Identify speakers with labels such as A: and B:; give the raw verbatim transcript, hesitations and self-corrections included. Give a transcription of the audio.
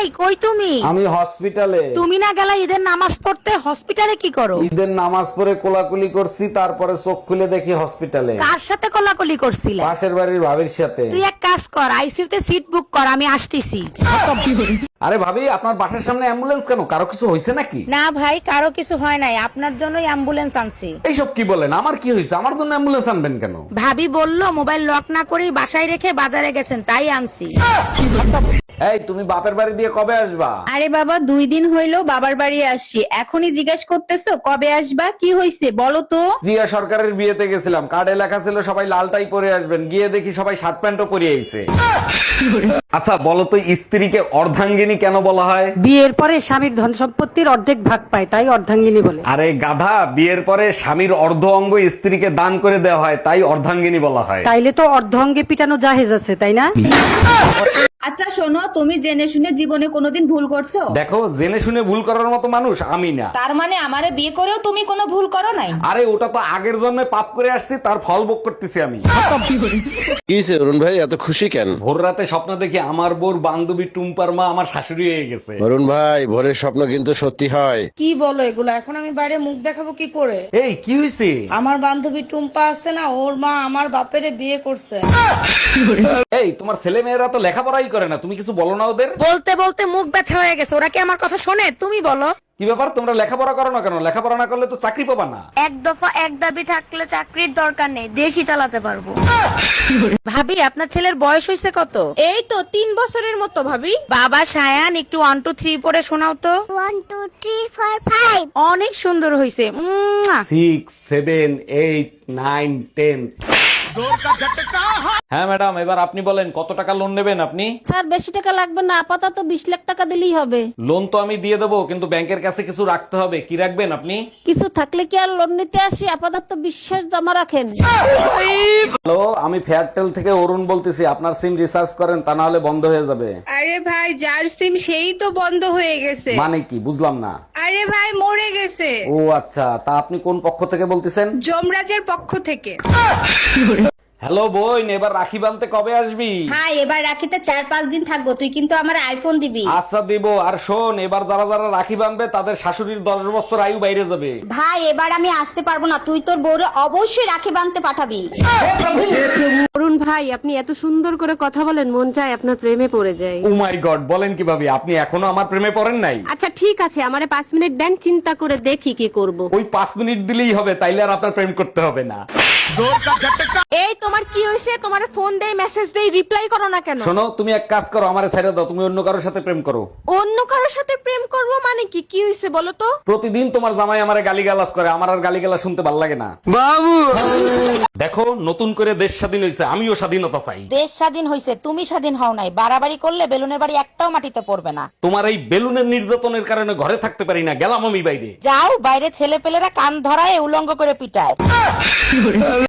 A: এই কই তুমি?
B: আমি হসপিটালে।
A: তুমি না গেলা ঈদের নামাজ পড়তে, হসপিটালে কি করো?
B: ঈদের নামাজ পড়ে কোলাকুলি করছি, তারপরে চোখ খুলে দেখি হসপিটালে।
A: কার সাথে কোলাকুলি করছিলা?
B: পাশের বাড়ির ভাবির সাথে।
A: তুই এক কাজ কর, আইসিইউতে সিট বুক কর, আমি আসতেছি।
B: আরে ভাবি, আপনার বাসার সামনে অ্যাম্বুলেন্স কেন? কারো কিছু হয়েছে নাকি?
A: না ভাই, কারো কিছু হয় নাই, আপনার জন্যই অ্যাম্বুলেন্স আনছি।
B: এইসব কি বলেন? আমার কি হয়েছে? আমার জন্য অ্যাম্বুলেন্স আনবেন কেন?
A: ভাবি বললো মোবাইল লক না করেই বাসায় রেখে বাজারে গেছেন, তাই আনছি।
B: এই, তুমি বাপের বাড়ি দিয়ে কবে আসবা?
C: আরে বাবা, দুই দিন হইলো বাবার বাড়ি আসছি, এখনই জিজ্ঞেস করতেছো কবে আসবা? কি হইছে বলো তো?
B: রিয়া সরকারের বিয়েতে গেছিলাম, কার্ডে লেখা ছিল সবাই লালটাই পরে আসবেন, গিয়ে দেখি সবাই শার্ট প্যান্টও পরে আইছে। আচ্ছা বলো তো, স্ত্রীকে অর্ধাঙ্গিনী কেন বলা হয়?
D: বিয়ের পরে স্বামীর ধন সম্পত্তির অর্ধেক ভাগ পায়, তাই অর্ধাঙ্গিনী বলে।
B: আরে গাধা, বিয়ের পরে স্বামীর অর্ধ অঙ্গ স্ত্রীকে দান করে দেওয়া হয়, তাই অর্ধাঙ্গিনী বলা হয়।
D: তাইলে তো অর্ধ অঙ্গে পিটানো জাহেজ আছে, তাই না?
C: আচ্ছা শোনো, তুমি জেনে শুনে জীবনে কোনোদিন ভুল করছো?
B: দেখো, জেনে শুনে ভুল করার মতো মানুষ আমি না।
C: তার মানে আমারে বিয়ে করেও তুমি কোনো ভুল করো নাই?
B: আরে ওটা তো আগের জন্মে পাপ করে আসছি, তার ফল ভোগ করতেছি আমি।
E: কি হয়েছে অরুণ ভাই, এত খুশি কেন?
B: ভোর রাতে স্বপ্ন দেখি আমার বোর বান্ধবী টুম্পার মা আমার শাশুড়ি হয়ে গেছে।
E: অরুণ ভাই, ভোরের স্বপ্ন কিন্তু সত্যি হয়।
F: কি বলো এগুলো? এখন আমি বাইরে মুখ দেখাবো কি করে?
B: এই কি হয়েছে?
F: আমার বান্ধবী টুম্পা আছে না, ওর মা আমার বাপেরে বিয়ে করছে।
B: এই, তোমার ছেলে মেয়েরা তো লেখাপড়াই করে না, তুমি কিছু বলো না ওদের?
A: বলতে বলতে মুখ ব্যথা হয়ে গেছে, ওরা কি আমার কথা শোনে? তুমি বলো।
B: কি ব্যাপার, তোমরা লেখাপড়া করো না কেন? লেখাপড়া না করলে তো চাকরি পাবা না।
A: এক দফা এক দাবি থাকলে চাকরির দরকার নেই, দেশই চালাতে পারবো। ভাবি, আপনার ছেলের বয়স হয়েছে কত?
F: এই তো তিন বছরের মতো ভাবি।
A: বাবা সায়ান, একটু ওয়ান টু থ্রি পরে শোনাও তো।
G: One two three four five.
A: অনেক সুন্দর হয়েছে।
B: Six seven eight nine ten. হ্যাঁ ম্যাডাম, এবার আপনি বলেন কত টাকা লোন নেবেন আপনি?
D: স্যার বেশি টাকা লাগবে না, আপাতত বিশ লাখ টাকা দিলেই হবে।
B: লোন তো আমি দিয়ে দেবো, কিন্তু ব্যাংকের কাছে কিছু রাখতে হবে। কি রাখবেন আপনি?
D: কিছু থাকলে কি আর লোন নিতে আসি? আপাতত বিশ্বাস জমা রাখেন।
B: হ্যালো, আমি ফেয়ারটেল থেকে অরুণ বলতেছি। আপনার সিম রিচার্জ করেন, তা না হলে বন্ধ হয়ে যাবে।
H: আরে ভাই, যার সিম সেই তো বন্ধ হয়ে গেছে।
B: মানে কি, বুঝলাম না।
H: আরে ভাই, মরে গেছে।
B: ও আচ্ছা, তা আপনি কোন পক্ষ থেকে বলতেছেন?
H: যমরাজের পক্ষ থেকে।
B: হ্যালো বোন, এবার রাখি বানতে কবে আসবি?
C: হ্যাঁ, এবার রাখিতে চার পাঁচ দিন থাকবো, তুই কিন্তু আমার আইফোন দিবি।
B: আচ্ছা দিব। আর শোন, এবার যারা যারা রাখি বানবে তাদের শাশুড়ির দশ বছর আয়ু বাইরে যাবে।
C: ভাই, এবার আমি আসতে পারবো না, তুই তোর বউরে অবশ্যই রাখি বাঁধতে পাঠাবি।
D: অরুণ ভাই, আপনি এত সুন্দর করে কথা বলেন, মন চায় আপনার প্রেমে পড়ে যায়।
B: ও মাই গড, বলেন কি ভাবি, আপনি এখনো আমার প্রেমে পড়েন নাই?
D: আচ্ছা ঠিক আছে, আমারে পাঁচ মিনিট দেন, চিন্তা করে দেখি কি করব।
B: ওই পাঁচ মিনিট দিলেই হবে, তাইলে আর আপনার প্রেম করতে হবে না।
A: এই তোমার কি হয়েছে? তোমার ফোন দেই, মেসেজ দেই, রিপ্লাই করো না কেন?
B: শোনো, তুমি এক কাজ করো, আমারে ছেড়ে দাও, তুমি অন্য কারোর সাথে প্রেম করো।
A: অন্য কারোর সাথে প্রেম করব মানে কি? কি হয়েছে বলো তো?
B: প্রতিদিন তোমার জামাই আমারে গালিগালাজ করে, আমার আর গালিগালাজ শুনতে ভালো লাগে না। বাবু দেখো, নতুন করে দেশ স্বাধীন হয়েছে, আমিও স্বাধীনতা চাই।
A: দেশ স্বাধীন হয়েছে, তুমি স্বাধীন হও নাই। বাড়াবাড়ি করলে বেলুনের বাড়ি একটাও মাটিতে পড়বে না।
B: তোমার এই বেলুনের নির্যাতনের কারণে ঘরে থাকতে পারি না, গেলাম আমি বাইরে।
A: যাও বাইরে, ছেলে পেলেরা কান ধরায় উলঙ্গ করে পিটায়।